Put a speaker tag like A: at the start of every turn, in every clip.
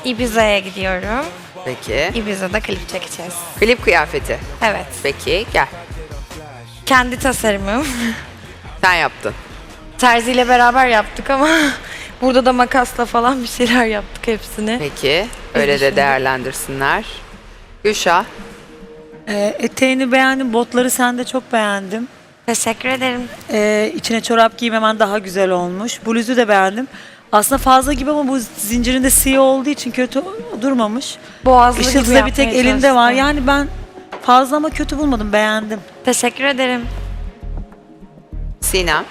A: Ibiza'ya gidiyorum.
B: Peki.
A: Ibiza'da klip çekeceğiz.
B: Klip kıyafeti.
A: Evet.
B: Peki gel.
A: Kendi tasarımım.
B: Sen yaptın.
A: Terzi ile beraber yaptık ama burada da makasla falan bir şeyler yaptık hepsini.
B: Peki. Öyle de
A: düşündüm.
B: değerlendirsinler. Gülşah.
C: Eteğini beğendim, botları sen de çok beğendim.
A: Teşekkür ederim.
C: İçine çorap giymemen daha güzel olmuş. Bluzu da beğendim. Aslında fazla gibi ama bu zincirinde siyah olduğu için kötü durmamış.
A: Boğazlı gibi
C: Işıltı da bir tek
A: yapmaya
C: elinde var.
A: çalıştım.
C: Yani ben fazla ama kötü bulmadım, beğendim.
A: Teşekkür ederim.
B: Sinem.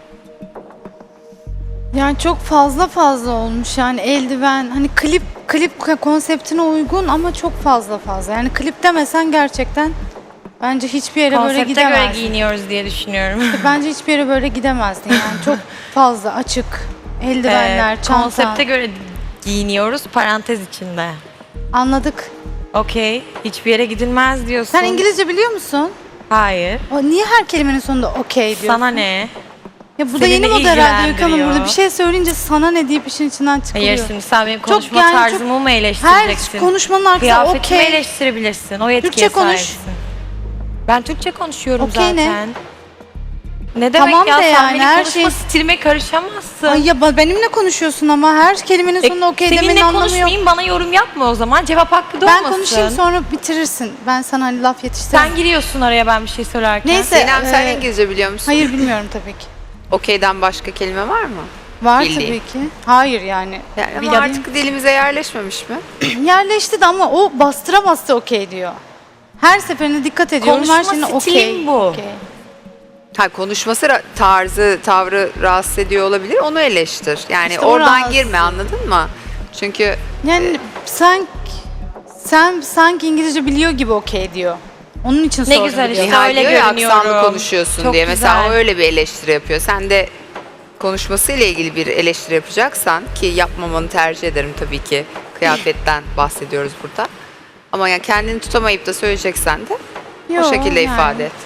D: Yani çok fazla olmuş yani eldiven hani klip konseptine uygun ama çok fazla. Yani klip demesen gerçekten bence hiçbir yere böyle
A: Konsepte göre
D: gidemezdin.
A: giyiniyoruz diye düşünüyorum.
D: Bence hiçbir yere böyle gidemezdin yani çok fazla açık eldivenler, çanta.
A: Konsepte göre giyiniyoruz parantez içinde.
D: Anladık.
A: Okey. Hiçbir yere gidilmez diyorsun.
D: Sen İngilizce biliyor musun?
A: Hayır.
D: Niye her kelimenin sonunda okey diyorsun?
A: Sana ne?
D: Ya bu da
A: Seni
D: yeni
A: ne
D: moda herhalde Öykü Hanım.
A: ilgilendiriyor?
D: Burada bir şey söyleyince sana ne deyip işin içinden çıkılıyor.
A: Hayır şimdi sen benim
D: Çok
A: konuşma
D: yani
A: tarzımı mı eleştireceksin?
D: Her konuşmanın arkasında
A: Kıyafetimi
D: okey.
A: eleştirebilirsin. O yetkiye
D: Türkçe konuş.
A: sahipsin. Ben Türkçe konuşuyorum
D: Okey ne?
A: zaten. Ne demek
D: Tamam
A: ya?
D: de
A: Sen
D: yani,
A: benim
D: her
A: konuşma
D: şey-
A: stilime karışamazsın.
D: Ay ya benimle konuşuyorsun ama her kelimenin sonunda okey demenin
A: seninle
D: anlamı yok.
A: konuşmayayım, bana yorum yapma o zaman. Cevap hakkı da
D: Ben
A: olmasın.
D: konuşayım sonra bitirirsin. Ben sana hani laf yetiştireyim.
A: Sen giriyorsun araya ben bir şey söylerken.
D: Neyse.
B: Sinem sen
D: Ee,
B: İngilizce biliyor musun?
D: Hayır bilmiyorum tabii ki.
B: Okey'den başka kelime var mı?
D: Var
B: Bildiğin.
D: tabii ki. Hayır yani.
B: Yani ama
D: Biliyorum.
B: artık dilimize yerleşmemiş mi?
D: Yerleşti de ama o bastıra okey diyor. Her seferinde dikkat ediyorum.
A: Konuşma
D: her şeyine okey.
A: stilim bu.
D: okey.
B: Ha, konuşması tarzı, tavrı rahatsız ediyor olabilir. Onu eleştir. Yani
D: İşte o
B: oradan
D: rahatsız.
B: girme, anladın mı? Çünkü
D: Yani sen sanki İngilizce biliyor gibi okey diyor. Onun için
A: Ne
D: sordum.
A: güzel işte.
D: biliyorum.
B: Nihal
A: öyle
B: diyor ya
A: görünüyorum.
B: aksanlı konuşuyorsun
A: Çok
B: diye. Mesela
A: güzel.
B: o öyle bir eleştiri yapıyor. Sen de konuşmasıyla ilgili bir eleştiri yapacaksan, ki yapmamanı tercih ederim tabii ki. Kıyafetten bahsediyoruz burada. Ama yani kendini tutamayıp da söyleyeceksen de
D: Yo,
B: o şekilde
D: yani.
B: ifade et.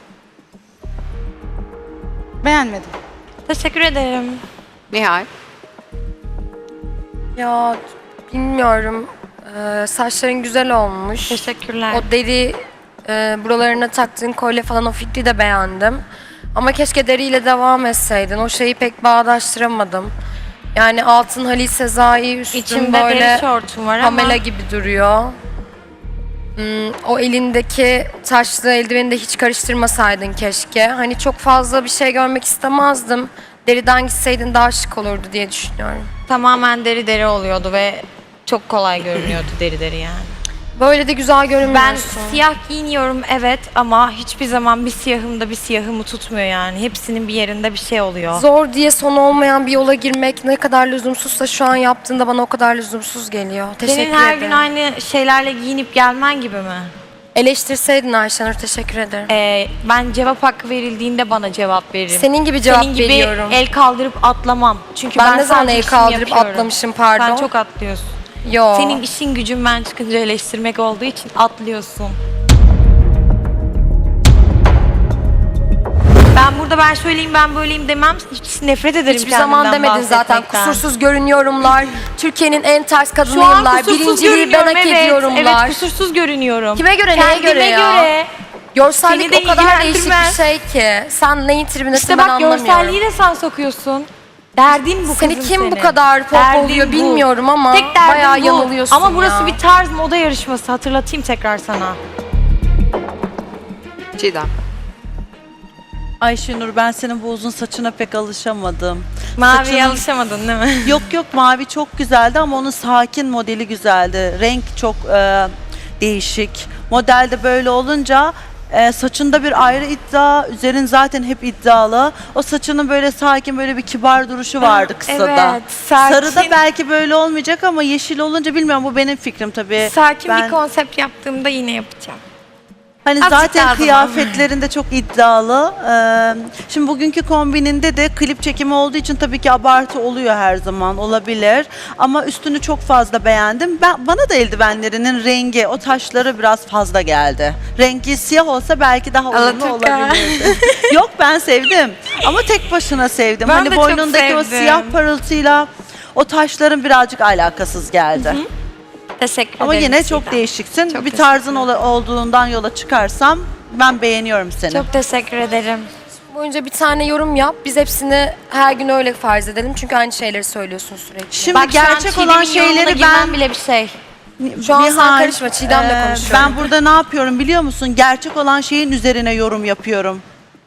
D: Beğenmedim.
A: Teşekkür ederim.
B: Nihal.
E: Ya bilmiyorum. Saçların güzel olmuş.
A: Teşekkürler.
E: O deri buralarına taktığın kolye falan o fikri de beğendim. Ama keşke deriyle devam etseydin. O şeyi pek bağdaştıramadım. Yani altın Halil Sezai, üstün
A: İçimde
E: böyle
A: deri şortum var ama
E: Pamela gibi duruyor. O elindeki taşlı eldiveni de hiç karıştırmasaydın keşke. Hani çok fazla bir şey görmek istemezdim. Deriden gitseydin daha şık olurdu diye düşünüyorum.
A: tamamen deri oluyordu ve çok kolay görünüyordu deri yani.
E: Böyle de güzel
A: Ben
E: görünmüyorsun.
A: siyah giyiniyorum evet ama hiçbir zaman bir siyahım da bir siyahımı tutmuyor yani. Hepsinin bir yerinde bir şey oluyor.
E: Zor diye sonu olmayan bir yola girmek ne kadar lüzumsuzsa şu an yaptığında bana o kadar lüzumsuz geliyor. Teşekkür
A: Senin her
E: ederim.
A: gün aynı şeylerle giyinip gelmen gibi mi?
E: Eleştirseydin Ayşenur, teşekkür ederim.
A: Ben cevap hakkı verildiğinde bana cevap veririm.
E: Senin gibi cevap
A: Senin gibi
E: veriyorum.
A: el kaldırıp atlamam. Çünkü
E: Ben ne zaman
A: sadece
E: el
A: işimi
E: kaldırıp
A: yapıyorum.
E: atlamışım, pardon?
A: Sen çok atlıyorsun.
E: Yo.
A: Senin işin gücün ben çıkınca eleştirmek olduğu için atlıyorsun. Ben burada ben şöyleyim ben böyleyim demem. Hiç nefret ederim
E: Hiçbir zaman
A: kendimden
E: demedin zaten.
A: bahsetmekten.
E: Kusursuz görünüyorumlar. Türkiye'nin en ters
A: Şu an
E: kadınıyımlar.
A: kusursuz
E: Birinciliği ben
A: görünüyorum
E: hak
A: evet.
E: ediyorumlar.
A: Evet kusursuz görünüyorum.
E: Kime göre, neye
A: Kendime
E: göre ya?
A: göre.
E: Görsellik
A: Seni de
E: o kadar değişik bir
A: ilgilendirmez.
E: şey ki. Sen neyin tribindesin
A: İşte
E: ben
A: bak
E: anlamıyorum.
A: görselliği de sen sokuyorsun. Derdin bu
E: Seni
A: kızım
E: kim
A: senin.
E: bu kadar pop
A: Derdin
E: oluyor
A: bu.
E: bilmiyorum ama
A: Tek derdin
E: bayağı
A: bu.
E: yanılıyorsun
A: Ama burası
E: ya.
A: bir tarz moda yarışması hatırlatayım tekrar sana.
B: Çiğdem.
F: Ayşenur, ben senin bu uzun saçına pek alışamadım.
A: Maviye
F: Saçının-
A: alışamadın değil mi?
F: Yok yok, mavi çok güzeldi ama onun sakin modeli güzeldi. Renk çok değişik. Modelde böyle olunca saçında bir ayrı iddia, üzerin zaten hep iddialı. O saçının böyle sakin, böyle bir kibar duruşu vardı kısada.
A: Evet, sakin.
F: Sarıda belki böyle olmayacak ama yeşil olunca bilmiyorum, bu benim fikrim tabii.
A: Sakin
F: Ben-
A: bir konsept yaptığımda yine yapacağım.
F: Hani
A: Azıcık daha
F: zaten
A: zaman.
F: kıyafetlerinde çok iddialı. Şimdi bugünkü kombininde de klip çekimi olduğu için tabii ki abartı oluyor, her zaman olabilir. Ama üstünü çok fazla beğendim. Bana da eldivenlerinin rengi, o taşları biraz fazla geldi. Rengi siyah olsa belki daha uyumlu
A: Alaturka.
F: olabilirdi. Yok, ben sevdim. Ama tek başına sevdim.
A: Ben
F: hani
A: de çok
F: boynundaki o
A: sevdim.
F: siyah parıltıyla O taşların birazcık alakasız geldi.
A: Teşekkür
F: Ama
A: ederim.
F: yine çok
A: Çiğdem.
F: değişiksin.
A: Çok
F: Bir tarzın olduğundan yola çıkarsam ben beğeniyorum seni.
A: Çok teşekkür ederim.
E: Boyunca bir tane yorum yap. Biz hepsini her gün öyle farz edelim. Çünkü aynı şeyleri söylüyorsun sürekli.
F: Şimdi
A: Bak, şu an
F: gerçek
A: Çiğdem'in
F: olan
A: yorumuna
F: şeyleri
A: girmem
F: ben
A: bile bir şey.
E: Şu an sen
F: Nihal,
E: karışma, Çiğdem'le konuşuyorum.
F: Ben burada ne yapıyorum biliyor musun? Gerçek olan şeyin üzerine yorum yapıyorum.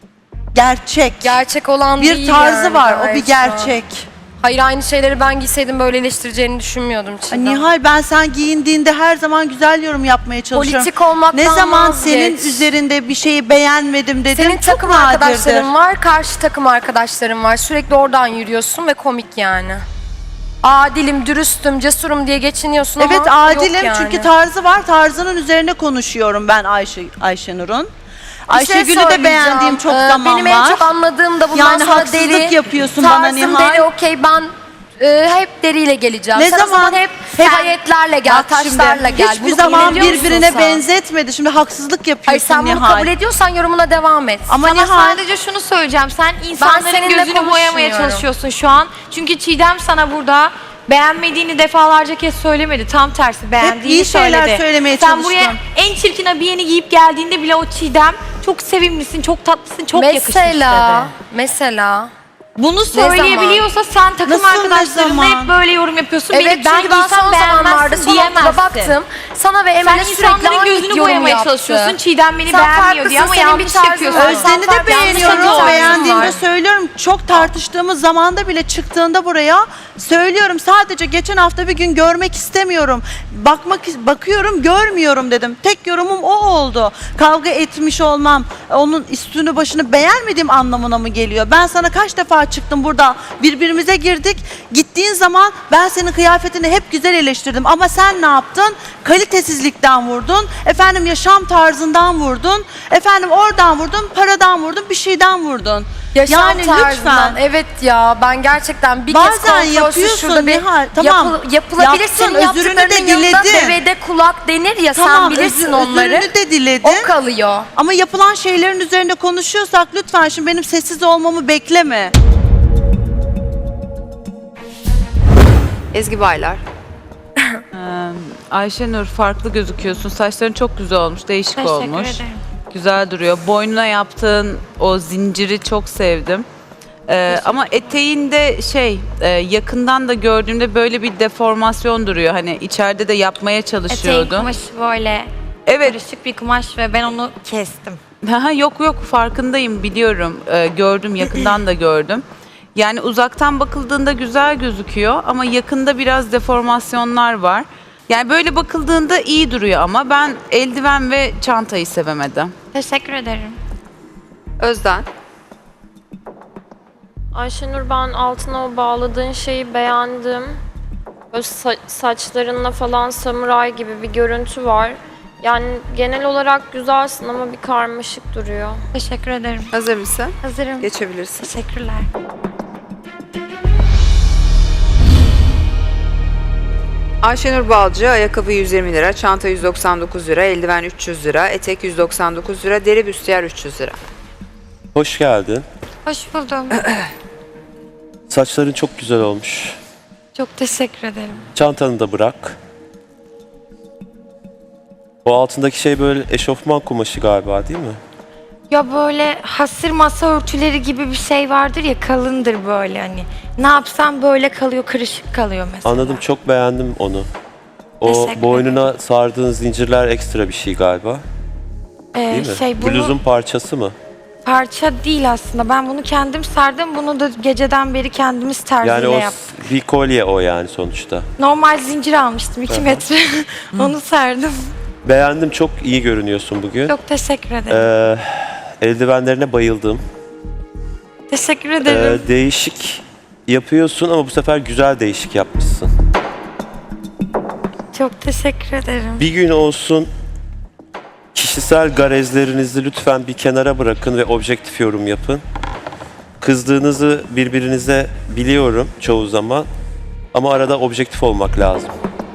F: Gerçek.
E: Gerçek olan
F: Bir
E: değil
F: tarzı
E: yani
F: var, o
E: gayet
F: bir
E: şu an.
F: gerçek.
E: Hayır, aynı şeyleri ben giyseydim böyle eleştireceğini düşünmüyordum Çiğdem.
F: Nihal, ben sen giyindiğinde her zaman güzel yorum yapmaya çalışıyorum.
E: Politik olmaktan
F: Ne zaman
E: vazgeç.
F: senin üzerinde bir şeyi beğenmedim dedim.
E: Senin
F: çok
E: takım
F: nadirdir.
E: arkadaşların var, karşı takım arkadaşların var. Sürekli oradan yürüyorsun ve komik yani. Adilim, dürüstüm, cesurum diye geçiniyorsun
F: Evet,
E: ama
F: adilim
E: yok yani.
F: çünkü tarzı var. Tarzının üzerine konuşuyorum ben Ayşenur'un.
E: Bir şey
F: Ayşegül'ü de
E: söyleyeceğim.
F: beğendiğim çok zaman
E: Benim
F: var.
E: en çok anladığım da bundan
F: Yani
E: sonra
F: haksızlık
E: deri.
F: yapıyorsun bana
E: Tarzım
F: Nihal.
E: deri, okey, ben hep deriyle geleceğim.
F: Ne
E: Sen o
F: zaman?
E: hep
F: Hep-
E: hayetlerle gel,
F: Bak şimdi,
E: taşlarla gel.
F: hiçbir
E: Bunu
F: zaman
E: kabul ediyor musun
F: birbirine
E: sen?
F: benzetmedi. Şimdi haksızlık
E: Hayır,
F: yapıyorsun
E: sen bunu
F: Nihal.
E: kabul ediyorsan yorumuna devam et.
F: Ama
A: Sana
F: Nihal,
A: sadece şunu söyleyeceğim. Sen insanların
E: seninle
A: gözünü boyamaya
E: konuşmuyorum.
A: çalışıyorsun şu an. Çünkü Çiğdem sana burada beğenmediğini defalarca kez söylemedi. Tam tersi beğendiğini
F: iyi şeyler
A: söyledi.
F: söylemeye
A: Sen buraya
F: çalıştım.
A: en çirkin abiyeni giyip geldiğinde bile o Çiğdem çok sevimlisin, çok tatlısın, çok yakışmış
E: Mesela,
A: dedi.
E: mesela.
A: Bunu söyleyebiliyorsa sen takım
F: Nasıl, ne
A: arkadaşlarınla
F: zaman?
A: hep böyle yorum yapıyorsun.
E: Evet,
A: Beni ben
E: çünkü ben
A: giysem
E: son zamanlarda
A: beğenmezsin
E: son haftada
A: diyemezsin.
E: baktım. Sana ve
A: Sen
E: Emel'e sürekli
A: insanların
E: aynı
A: gözünü
E: yorum
A: boyamaya
E: yaptı.
A: çalışıyorsun. Çiğdem beni
E: Sen
A: beğenmiyor diye ama
E: farklısın, senin bir
A: yanlış
E: tarzın
A: yapıyorsun.
E: var.
F: Özden'i de
E: Yanlış
F: beğeniyorum.
E: tarzın
F: Beğendiğimde
E: var.
F: söylüyorum. Çok tartıştığımız zamanda bile çıktığında buraya söylüyorum. Sadece geçen hafta bir gün görmek istemiyorum. Bakıyorum, görmüyorum dedim. Tek yorumum o oldu. Kavga etmiş olmam, onun üstünü başını beğenmediğim anlamına mı geliyor? Ben sana kaç defa çıktım burada, birbirimize girdik. Gittiğin zaman ben senin kıyafetini hep güzel eleştirdim. Ama sen ne yaptın? Kalitesizlikten vurdun. Efendim yaşam tarzından vurdun. Efendim oradan vurdun, paradan vurdun, bir şeyden vurdun.
E: Yaşam
F: yani
E: tarzından.
F: lütfen.
E: Evet ya, ben gerçekten bir
F: Bazen
E: kez kontrolsüz
F: yapıyorsun
E: şurada bir
F: Nihal, tamam.
E: yapılabilir.
F: Yaptın,
E: Senin
F: özrünü de
E: yaptıklarının yanında
F: diledin.
E: devede kulak denir ya, sen
F: Tamam,
E: bilirsin onları.
F: özürünü de diledin.
E: O kalıyor.
F: Ama yapılan şeylerin üzerinde konuşuyorsak lütfen şimdi benim sessiz olmamı bekleme.
B: Ezgi Baylar.
G: Ayşenur, farklı gözüküyorsun. Saçların çok güzel olmuş, değişik
A: Teşekkür
G: olmuş.
A: ederim.
G: Güzel duruyor. Boynuna yaptığın o zinciri çok sevdim. Ama eteğinde yakından da gördüğümde böyle bir deformasyon duruyor. Hani içeride de yapmaya
A: Eteğin
G: çalışıyordun.
A: kumaşı böyle
G: Evet.
A: karışık bir kumaş ve ben onu kestim.
G: Yok farkındayım, biliyorum. Gördüm, yakından da gördüm. Yani uzaktan bakıldığında güzel gözüküyor ama yakında biraz deformasyonlar var. Yani böyle bakıldığında iyi duruyor ama ben eldiven ve çantayı sevemedim.
A: Teşekkür ederim.
B: Özden.
H: Ayşenur, ben altına o bağladığın şeyi beğendim. Böyle saçlarınla falan samuray gibi bir görüntü var. Yani genel olarak güzelsin ama bir karmaşık duruyor.
A: Teşekkür ederim.
B: Hazır mısın?
A: Hazırım.
B: Geçebilirsin.
A: Teşekkürler.
B: Ayşenur Balcı, ayakkabı 120 lira, çanta 199 lira, eldiven 300 lira, etek 199 lira, deri büstiyer 300 lira.
I: Hoş geldin.
A: Hoş buldum.
I: Saçların çok güzel olmuş.
A: Çok teşekkür ederim.
I: Çantanı da bırak. O altındaki şey böyle eşofman kumaşı galiba, değil mi?
A: Ya böyle hasır masa örtüleri gibi bir şey vardır ya, kalındır böyle hani. Ne yapsam böyle kalıyor, kırışık kalıyor mesela.
I: Anladım, çok beğendim onu. O
A: Teşekkür
I: boynuna sardığın zincirler ekstra bir şey galiba, değil mi?
A: Bunu
I: Bluzun parçası mı?
A: parça değil aslında. Ben bunu kendim sardım. Bunu da geceden beri kendimiz terziyle
I: Yani o
A: yaptık.
I: bir kolye o yani sonuçta.
A: Normal zincir almıştım 2 metre. Onu sardım.
I: Beğendim, çok iyi görünüyorsun bugün.
A: Çok teşekkür ederim.
I: Eldivenlerine bayıldım.
A: Teşekkür ederim.
I: Değişik yapıyorsun ama bu sefer güzel değişik yapmışsın.
A: Çok teşekkür ederim.
I: Bir gün olsun kişisel garezlerinizi lütfen bir kenara bırakın ve objektif yorum yapın. Kızdığınızı birbirinize biliyorum çoğu zaman ama arada objektif olmak lazım.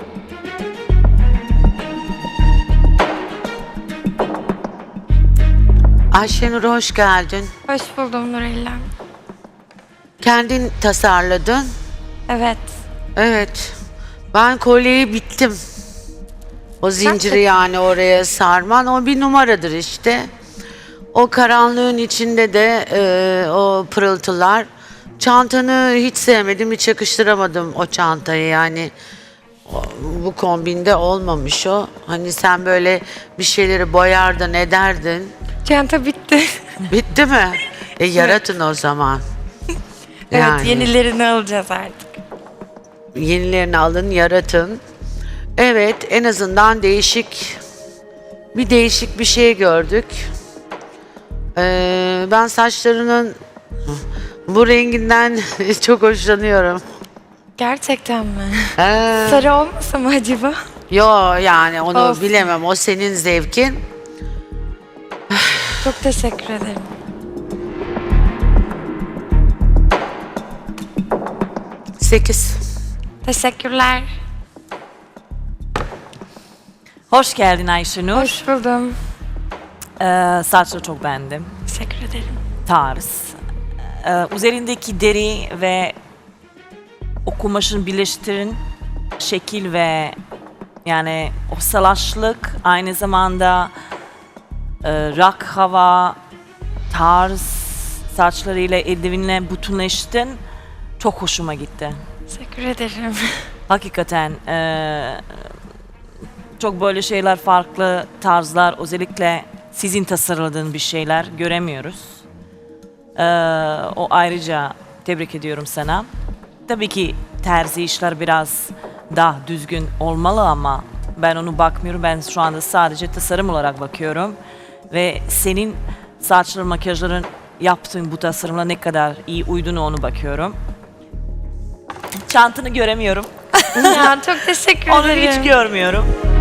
J: Ayşenur, hoş geldin.
A: Hoş buldum Nurella.
J: Kendin tasarladın.
A: Evet.
J: Evet. Ben kolyeyi bittim. O zinciri yani oraya sarman o bir numaradır işte. O karanlığın içinde de o pırıltılar. Çantanı hiç sevmedim, hiç yakıştıramadım o çantayı yani. Bu kombinde olmamış o. Hani sen böyle bir şeyleri boyardın, ederdin.
A: Çanta bitti.
J: Bitti mi? Yaratın o zaman.
A: Evet, yenilerini alacağız artık.
J: Yenilerini alın, yaratın. Evet, en azından değişik bir şey gördük. Ben saçlarının bu renginden çok hoşlanıyorum.
A: Gerçekten mi?
J: Ee,
A: Sarı olmasa mı acaba?
J: Yo yani onu
A: Olsun.
J: bilemem. O senin zevkin.
A: Çok teşekkür ederim.
J: Sekiz.
A: Teşekkürler.
K: Hoş geldin Ayşenur.
A: Hoş buldum.
K: Saçları çok beğendim.
A: Teşekkür ederim.
K: Tarz. Üzerindeki deri ve o kumaşın birleştirin şekil ve yani o salaşlık aynı zamanda rock hava tarz saçlarıyla eldivenle bütünleştin. Çok hoşuma gitti.
A: Teşekkür ederim.
K: Hakikaten çok böyle şeyler farklı tarzlar özellikle sizin tasarladığın bir şeyler göremiyoruz. O ayrıca tebrik ediyorum sana. Tabii ki terzi işler biraz daha düzgün olmalı ama ben onu bakmıyorum. Ben şu anda sadece tasarım olarak bakıyorum. Ve senin saçların, makyajların yaptığın bu tasarımla ne kadar iyi uyduğunu onu bakıyorum. Çantanı göremiyorum.
A: Ya çok teşekkür
K: Onu
A: ederim.
K: hiç görmüyorum.